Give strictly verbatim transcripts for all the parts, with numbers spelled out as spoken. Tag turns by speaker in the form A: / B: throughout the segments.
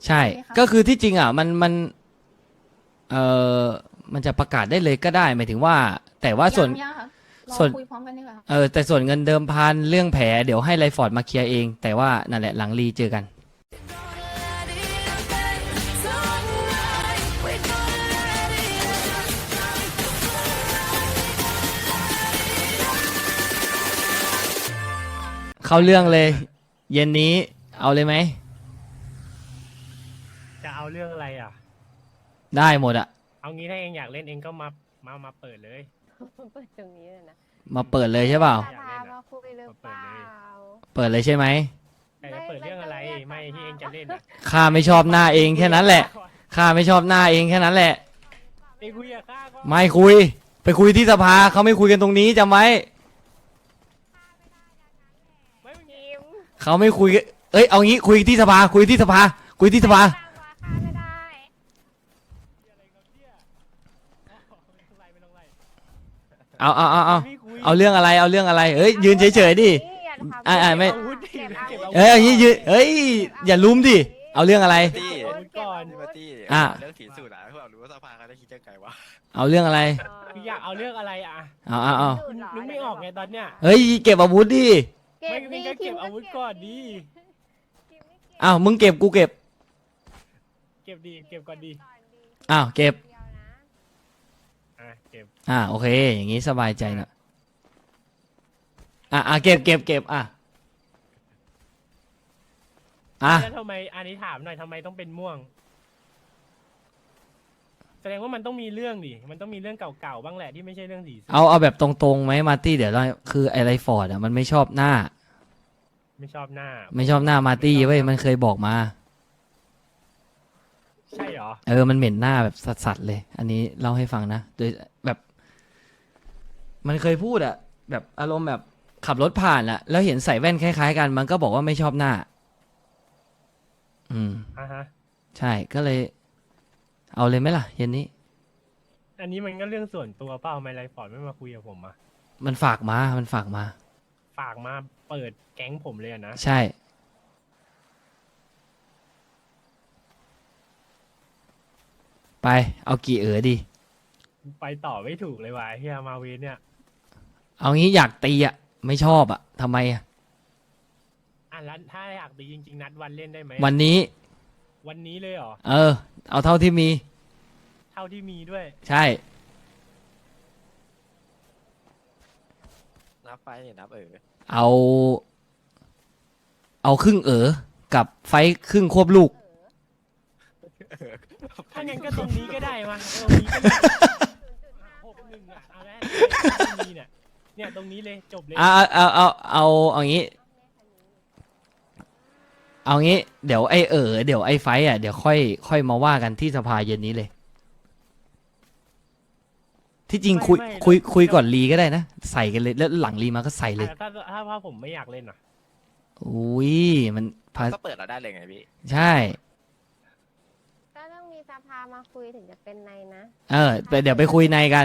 A: ใช่ก็คือที่จริงอ่ะมันมันเออมันจะประกาศได้เลยก็ได้หมายถึงว่าแต่ว่าส่วน
B: ยังค่ะรอ
A: ส่วน
B: คุยพร้อมกันดีกว่า
A: เออแต่ส่วนเงินเดิมพันเรื่องแผลเดี๋ยวให้ไรฟอร์ดมาเคลียร์เองแต่ว่านั่นแหละหลังรีเจอกันเข้าเรื่องเลยเย็นนี้เอาเลยไหม
C: จะเอาเรื่องอะไรอ่ะ
A: ได้หมดอะ
C: เอางี้ถ้าเองอยากเล่นเองก็มามามาเปิดเลย
D: เปิดตรงนี้เลยนะ
A: มาเปิดเลยใช่เปล่า
D: พามาคุยหรือเปล่า
A: เปิดเลยใช่ไหม
C: แต่จะเปิดเรื่องอะไรไม่ที่เองจะเล่นอ่ะ
A: ข้าไม่ชอบหน้าเองแค่นั้นแหละข้าไม่ชอบหน้าเองแค่นั้นแหละ
C: เองคุยกับข้าก็
A: ไม่คุยไปคุยที่สภาเขาไม่คุยกันตรงนี้จำไว้
C: ไม่มี
D: ยิ้ม
A: เขาไม่คุยกันเอ้ยเอางี้คุยที่สภาคุยที่สภาคุยที่สภา
D: ไม่ได้
C: อะไรกับเนี่ยอ๋อไม่ต้องไล่ไม่ต้องไล่
A: เอาเอาเอาเอา
C: ไม่คุย
A: เอาเรื่องอะไรเอาเรื่องอะไรเอ้ยยืนเฉยๆดิ อ่าอ่าไม่
C: เก็บอาวุธดิเก็บอาวุธ
A: เอ้ยอย่างนี้ยืนเอ้ยอย่าลุ้มดิเอาเรื่องอะไร
E: ตี้
C: อาวุธก่อน
E: พี่มาตี้
A: อ่ะ
E: เรื่องถีสูตรอะพวกเรารู้ว่าสภาเขาได้คิดยังไงวะ
A: เอาเรื่องอะไร
C: คืออยากเอาเรื่องอะไรอ่ะ
A: เอาเอาเอา
C: นึกไม่ออกไงตอนเนี้ย
A: เฮ้ยเก็บอาวุธดิ
C: ไม่มีก็เก็บอาวุธก่อนดิ
A: อ้าวมึงเก็บกูเก็บ
C: เก็บดีเก็บก่อนดี
A: อ้าวเก็บ
C: อ่ะเก็บ
A: อ่าโอเค อย่างงี้สบายใจหน่อยอ่ะอ่ะเก็บเก็บเก็บอ่ะอ่ะ
C: แล้วทำไมอันนี้ถามหน่อยทำไมต้องเป็นม่วง แสดงว่ามันต้องมีเรื่องดิมันต้องมีเรื่องเก่าๆบ้างแหละที่ไม่ใช่เรื่องสีส้ม
A: เอาเอาแบบตรงๆไหมมาร์ตี้เดี๋ยวเราคือไอไรฟอร์ดอ่ะมันไม่ชอบหน้า
C: ไม่ชอบหน้า
A: ไม่ชอบหน้ามาร์ตี้เว้ยมันเคยบอกมา
C: ใช่เหรอ
A: เออมันเหม็นหน้าแบบสัสๆเลย อันนี้เล่าให้ฟังนะโดยแบบ มันเคยพูดอะแบบอารมณ์แบบขับรถผ่านอะแล้วเห็นใส่แว่นคล้ายๆกัน มันก็บอกว่าไม่ชอบหน้า อืม
C: อ่ะฮะ
A: ใช่ก็เลย เอาเลยไหมล่ะเย็นนี้
C: อันนี้มันก็เรื่องส่วนตัวเปล่าทำไมไรฟอร์ดไม่มาคุยกับผมอ่ะ
A: มันฝากมา มันฝากมา
C: ฝากมาเปิดแก๊งผมเลยอะนะ
A: ใช่ ไป เอากี่เอ๋อดี
C: ไปต่อไม่ถูกเลยว่ะเฮียมาเวนเนี่ย
A: เอางี้อยากตีอะไม่ชอบอะทำไมอะ
C: อ่ะแล้วถ้าอยากดีจริงๆนัดวันเล่นได้ไหม
A: วันนี้
C: วันนี้เลยเหรอ
A: เออ เอาเท่าที่มี
C: เท่าที่มีด้วย
A: ใช่
E: นับไปนับเออ
A: เอา เอาครึ่งเอ๋อกับไฟท์ครึ่งควบลูก
C: ถ้างั้นก็ตรงนี้ก็ได้มาตรงนี้ก็ได้หกหนึ่งอ่ะเอาแล้วตรงนี้เนี่ยเนี่ยตรงนี้เลยจบเลย
A: เอาเอาเอาเอาเอางี้ เอางี้ เดี๋ยวไอเออเดี๋ยวไอไฟท์อ่ะเดี๋ยวค่อยค่อยมาว่ากันที่สภาเย็นนี้เลย ที่จริงคุยคุยคุยก่อนรีก็ได้นะ ใส่กันเลยแล้วหลังรีมาก็ใส่เลย
C: อ่ะถ้าถ้าถ้าผมไม่อยากเล่นอ่ะ
A: อุ้ยมันพา
E: ก็เปิดเราได้เลยไงพี่
A: ใช่
D: ก็ต้องมีสภามาคุยถึงจะเป็นในนะ
A: เออไปเดี๋ยวไปคุยในกัน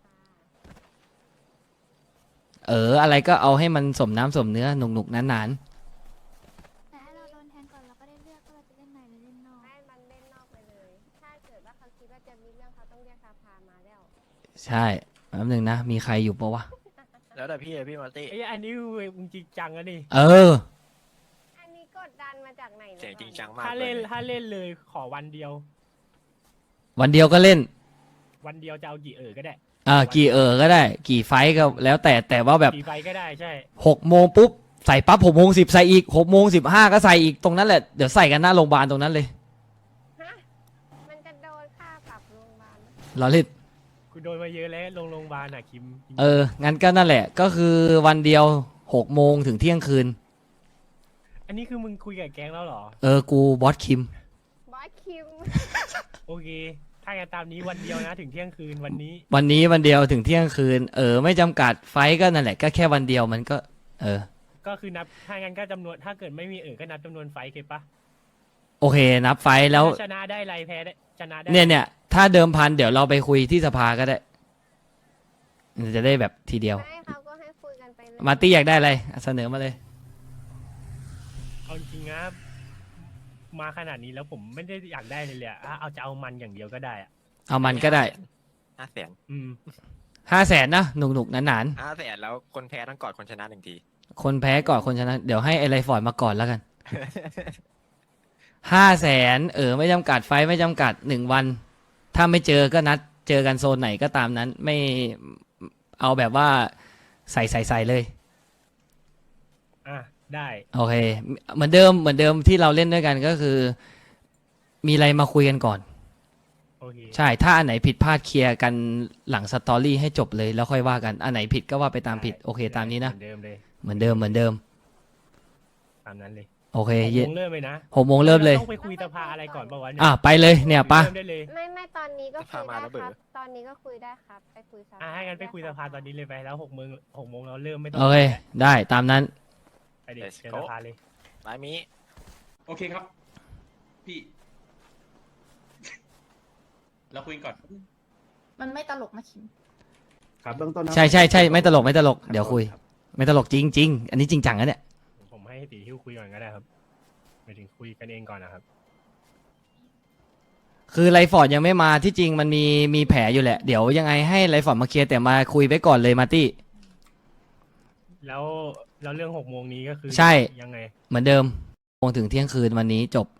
A: เออ อะไรก็เอาให้มันสมน้ำสมเนื้อหนุกหนุกๆนาน
F: แต่ถ้าเราโดนแทงก่อนเราก็ได้เลือกว่าเราจะเล่นในหรือเล่นนอก
D: ให้มันเล่นนอกไปเลย ถ้าเกิดว่าเขาคิดว่าจะมีเรื่องเขาต้องเรียกสภามาแล้ว
A: ๆใช่แป๊บนึงนะ มีใครอยู่ปะวะ
E: แล้วแต่พี่เลยพี่มาตี้
C: ไอ้ยอันนี้มึงจริงจังอะนี่
A: เออ
D: อันนี้กดดันมาจากไหนนี่ย
E: เสียงจริงจังมาก
C: ถ้า
E: เล
C: เล่
E: ย
C: นถ้าเล่นเลยขอวันเดียว
A: วันเดียวก็เล่น
C: วันเดียวจะเอากี่เออก็ได้
A: อ่ากี่เออก็ได้ กี่ไฟท์ก็แล้วแต่แต่ว่าแบบ
C: กี่ไฟก็ได้ใช่
A: หกโมงปุ๊บ ใส่ปั๊บหกโมงสิบใส่อีกหกโมงสิบห้าก็ใส่อีกตรงนั้นแหละ เดี๋ยวใส่กันหน้าโรงพยาบาลตรงนั้นเลย
D: ฮะมันจะโดนค่าปรับโรงพยาบาลไหม
A: เราเล่น
C: กูโดนมาเยอะแล้วลงโรงพยาบาลอ่ะคิม
A: เออ งั้นก็นั่นแหละ ก็คือวันเดียวหกโมงถึงเที่ยงคืน
C: อันนี้คือมึงคุยกับแก๊งแล้วเหรอ
A: เออ กูบอสคิม
D: บอสคิม
C: โอเค ถ้างั้นตามนี้วันเดียวนะถึงเที่ยงคืนวันนี้
A: วันนี้วันเดียวถึงเที่ยงคืน เออ ไม่จำกัดไฟท์ก็นั่นแหละ ก็แค่วันเดียวมันก็ เออ
C: ก็คือนับถ้างั้นก็จำนวนถ้าเกิดไม่มีเออก็นับจำนวนไฟเคปะ
A: โอเค นับไฟท์แล้ว
C: ถ้าชนะได้ไรแพ้ได้ชนะได้
A: เนี่ยเนี่ยถ้าเดิมพันเดี๋ยวเราไปคุยที่สภาก็ได้ จะได้แบบทีเดียว
D: ให้เขาก็ให้คุยกันไปเลย
A: มาร์ตี้อยากได้อะไรเสนอมาเลย
C: เอาจริงนะมาขนาดนี้แล้วผมไม่ได้อยากได้เลยเลยอะอ่ะเอาจะเอามันอย่างเดียวก็ได้อะ
A: เอามันก็ได้
E: ห้าแสน
C: อืม
A: ห้าแสนนะหนุกหนุกๆหนาน
E: ห้าแสนแล้วคนแพ้ต้องกอดคนชนะหนึ่งที
A: ๆคนแพ้ก่อนคนชนะ เดี๋ยวให้ไอไรฟอร์ดมาก่อนแล้วกันห้าแสนเออไม่จำกัดไฟท์ไม่จำกัดหนึ่งวัน ถ้าไม่เจอก็นัดเจอกันโซนไหนก็ตามนั้น ไม่เอาแบบว่าใส่ใส่ใส่เลย
C: อ่ะได้
A: โอเค เหมือนเดิมเหมือนเดิมที่เราเล่นด้วยกันก็คือ มีอะไรมาคุยกันก่อน
C: โอเค
A: ใช่ ถ้าอันไหนผิดพลาดเคลียร์กันหลังสตอรี่ให้จบเลยแล้วค่อยว่ากัน อันไหนผิดก็ว่าไปตามผิด โอเค ตามนี้นะ
C: เหมือนเดิมเลย
A: เหมือนเดิมเหมือนเดิม
C: ตามนั้นเลย
A: โอเค
C: หก
A: เย็
C: โมงเริ่มเลยนะ
A: หกโมงเริ่มเลย
C: ต้องไปคุยสภาอะไรก่อนป่าวะเนี่ย
A: อ่ะไปเลยเนี่ยปะ
C: เริ่มได้เลย
D: ไม่ไม่ตอนนี้ก็คุย
E: พามา
D: ได้
E: แล้วเบอ
D: ครับ
E: ร์
D: ตอนนี้ก็คุยได้ครับ ไปคุยสภา
C: อ่ะให้กันไปคุยสภาตอนนี้เลยไปแล้วหกโมงหกโมงเราเริ่มไม่ต้อง
A: โอเค ได้ตามนั้น
C: ไปเด็ก
E: Let's
C: เจอ
E: go
C: สภาเลย
E: ไม้มี
B: โอเคครับ พี่ เราคุยกันก่อน
F: มันไม่ตลกนะคิม
G: ครับเบื้องต้นนะ
A: ใช่ใช่ใช่ไม่ตลกไม่ตลกเดี๋ยวคุย ไม่ตลกจริงจริงๆอันนี้จริงจังนะเนี่ย
C: ผมให้ตีฮิ้วคุยก่อนก็ได้ครับไปถึงคุยกันเองก่อนนะครับ
A: คือไรฟอร์ดยังไม่มาที่จริงมันมีมีแผลอยู่แหละ เดี๋ยวยังไงให้ไรฟอร์ดมาเคลียร์แต่มาคุยไปก่อนเลยมาร์ตี้
C: แล้วแล้วเรื่องหกโมงนี้ก็คือ
A: ใช่
C: ยังไง
A: เหมือนเดิมโมงถึงเที่ยงคืนวันนี้จบ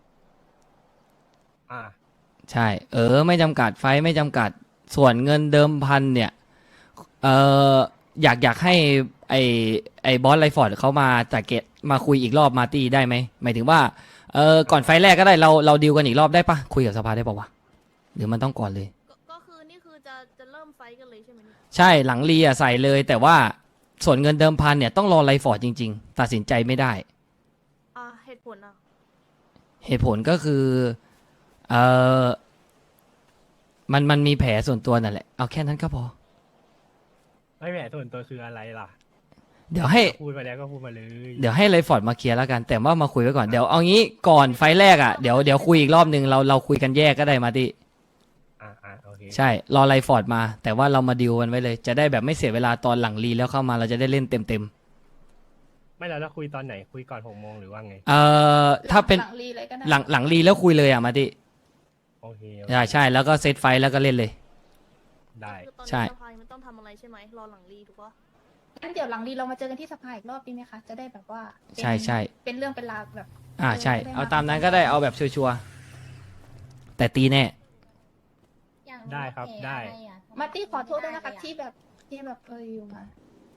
C: อ่า
A: ใช่ เออ ไม่จำกัดไฟท์ไม่จำกัดส่วนเงินเดิมพันเนี่ยเอออยากอยากให้ไอไอบอสไรฟอร์ดเขามาจากเกตมาคุยอีกรอบมาร์ตี้ได้ไหมหมายถึงว่าเออก่อนไฟท์แรกก็ได้เราเราดีลกันอีกรอบได้ปะคุยกับสภาได้ปะวะหรือมันต้องก่อนเลย
H: ก็ก็คือนี่คือจะจะเริ่มไฟท์กันเลยใช่ไหมเนี่ย
A: ใช่หลังรีอ่ะใส่เลย แต่ว่าส่วนเงินเดิมพันเนี่ยต้องรอไรฟอร์ดจริง ๆ ตัดสินใจไม่ได้
H: อ่าเหตุผลอ่ะ
A: เหตุผลก็คือเออมันมันมีแผลส่วนตัวนั่นแหละเอาแค่นั้นก็พอ
C: ไม่แหมส่วนตัวคืออะไรล่ะ
A: เดี๋ยวให้
C: พูดมาแล้วก็พูดมาเลย
A: เดี๋ยวให้ไรฟอร์ดมาเคลียร์แล้วกัน แต่ว่ามาคุยไว้ก่อนเดี๋ยวเอางี้ก่อนไฟล์แรกอ่ะเดี๋ยวเดี๋ยวคุยอีกรอบนึงเราเราคุยกันแยกก็ได้มาดิ
C: อ่าอ่าโอเค
A: ใช่รอไรฟอร์ดมา แต่ว่าเรามาดิวกันไว้เลย จะได้แบบไม่เสียเวลาตอนหลังรีแล้วเข้ามาเราจะได้เล่นเต็มเต็ม
C: ไม่แล้วเราคุยตอนไหนคุยก่อนหกโมงหรือว่าไง
A: ๆเอ่อถ้าเป็น
F: หลังรีเลยก็ได้
A: หลังหลังรีแล้วคุยเลยอ่ะมาดิ
C: โอเคโอเค
A: ใช่ใช่แล้วก็เซตไฟล์แล้วก็เล่นเลย
C: ได้
H: คือตอน
A: ใช่
H: นี้สภามันต้องทำอะไรใช่ไหมรอหลังรีถูกปะ
F: งั้นเดี๋ยวหลังรีเรามาเจอกันที่สภาอีกรอบดีไหมคะ จะได้แบบว่าเป็น
A: ใช่ใช่
F: เป็นเรื่องเป็นราวแบบ
A: อ่าใช่
F: เออ
A: เอาตามนั้นก็ได้เอาแบบชัวร์ๆแต่ตีแน่
C: ได้ครับได้
F: มาร์ตี้ขอโทษด้วยนะคะที่แบบที่แบบเอออยู่มา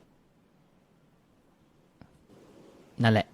A: นั่นแหละ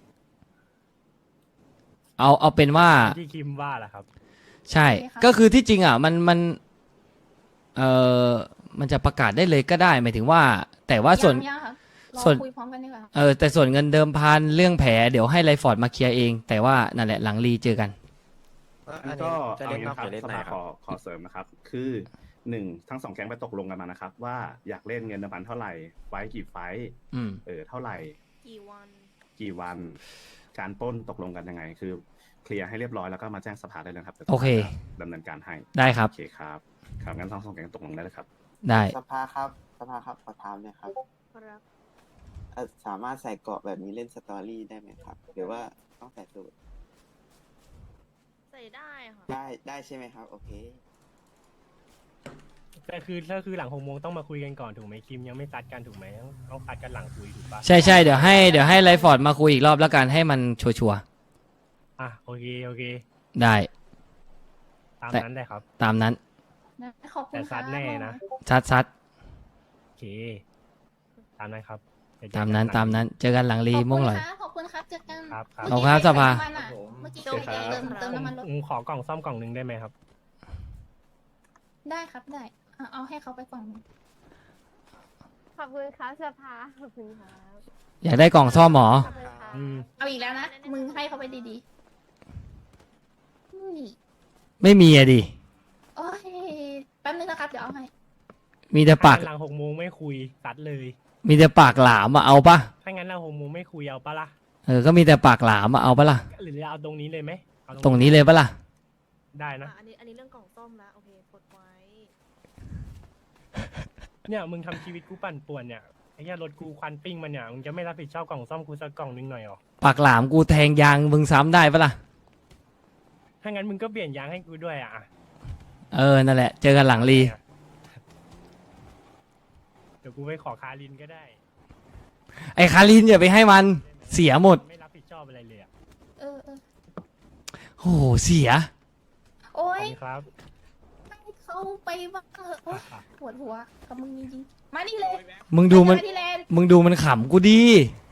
A: เอาเอาเป็นว่า
C: ที่คิมว่าล่ะครับ
A: ใช่ ก็คือที่จริงอ่ะมันมันเออมันจะประกาศได้เลยก็ได้หมายถึงว่า แต่ว่าส่วน
F: ยังๆค่ะรอ
A: ส่วน
F: คุยพร้อมกันดีกว่า
A: เออแต่ส่วนเงินเดิมพันเรื่องแผลเดี๋ยวให้ไรฟอร์ดมาเคลียร์เอง แต่ว่านั่นแหละหลังรีเจอกัน
E: อัน
G: ก็
E: นี้จะ
G: เอา
E: เล่น
G: งี้
E: นอก
G: ครั
E: หรื
G: บ
E: อเล่น
G: ส
E: ใน
G: ภา
E: ค
G: ข
E: รับ
G: อขอเสริมนะครับ คือหนึ่งทั้งสองแก๊งไปตกลงกันมานะครับ ว่าอยากเล่นเงินเดิมพันเท่าไหร่ไฟท์กี่ไฟท์
A: อืม
G: เออเท่าไหร่
H: กี่วัน
G: กี่วัน การปล้นตกลงกันยังไง คือเคลียร์ให้เรียบร้อยแล้วก็มาแจ้งสภาได้เลยครับดี๋ยว
A: โอเค
G: สภาจะดำเนินการให้
A: ได้ครับ
G: โอเคครับครับงั้นทั้งสองแก๊งตกลงได้เลยครับ
A: ได้
I: สภาครับสภาครับขอถามหน่อยครับ
H: ครับ
I: เอ่อสามารถใส่เกราะแบบนี้เล่นสตอรี่ได้ไหมครับ หรือว่าต้องใส่สูท
H: ใส่ได้ค่ะ
I: ได้ได้ใช่ไหมครับ โอเค
C: แต่คือถ้าคือหลังหกโมงต้องมาคุยกันก่อนถูกไหมคิมยังไม่ซัดกันถูกไหมต้องต้องซัดกันหลังคุยถูกปะ
A: ใช่ใช่เดี๋ยวให้เดี๋ยวให้ไรฟอร์ดมาคุยอีกรอบแล้วกันให้มันชัวร์
C: อ่ะโอเคโอเค
A: ๆได้
C: ตาม
A: แต่
C: นั้นได้ครับ
A: ตามนั้น
F: นะขอบคุณ
C: แต่ซั
F: ค่ะ
C: ดแน่นะ
A: ซัดซัด
C: โอเค ตามนั้นครับเดี๋ยวเจอ
A: ตาม
C: กั
A: นั้น
C: หลัง
A: ตามนั้น เจอกันหลังรี
F: ขอบคุณ
A: ม่วงหน่อย
F: ค่ะขอบคุณครับเจอกัน
C: ครับครับ
A: ขอบคุณครับสภา
F: เมื่อกี้
H: โชคดี
F: เติมเติมน้ำมันรถ
C: ผมขอกล่องซ่อมกล่องหนึ่งได้ไหมครับ
F: ได้ครับได้เอาเอาให้เขาไปก่อน
D: ขอบคุณครับสภาขอบคุณครับ
A: อยากได้กล่องซ่อมหมอ
D: ขอบคุณครับ
C: อืม
F: เอาอีกแล้วนะมึงให้เขาไปดีๆอุ้ย
A: ไม่มีอะดิ
F: โอ้ยแป๊บนึงนะครับเดี๋ยวเอาให้
A: มีแต่ปาก
C: ถ้างั้นหลังหกโมงไม่คุยซัดเลย
A: มีแต่ปากหลามอะเอาปะ
C: ถ้างั้นเราหกโมงไม่คุยเอาปะล่ะ
A: เออก็มีแต่ปากหลามอะเอาปะล่ะ
C: หรือเราเอาตรงนี้เลยไหมเอา
A: ตรงนี้เลยปะล่ะ
C: ได้นะ
H: อ่ะอันนี้อันนี้เรื่องกล่องซ่อมแล้วโอเคกดไว้
C: เนี่ยมึงทำชีวิตกูปั่นป่วนเนี่ยไอ้เหี้ยรถกูควันปิ้งมันเนี่ยมึงจะไม่รับผิดชอบกล่องซ่อมกูสักกล่องนึงหน่อยหรอ
A: ปากหลามกูแทงยางมึงซ้ำได้ปะล่ะ
C: ถ้างั้นมึงก็เปลี่ยนยางให้กูด้วยอ่ะ
A: เออนั่นแหละ เจอกันหลังรี
C: เดี๋ยวกูไปขอคารินก็ได้
A: ไอ้คารินอย่าไปให้มันเสียหมด
C: ไม่รับผิดชอบอะไรเลยอ่ะ
F: เออเออ
A: โอ้โหเสีย
F: โอ้
C: ขอบ
F: ย
C: คุณครับ
F: ให้เขาไปบ้างเถอะโอ๊ยปวดหัวกับมึงจริงๆมานี่เลย
A: มึงดูมัน
F: ไปที่แลนด์
A: มึงดูมันขำกูดี
F: เ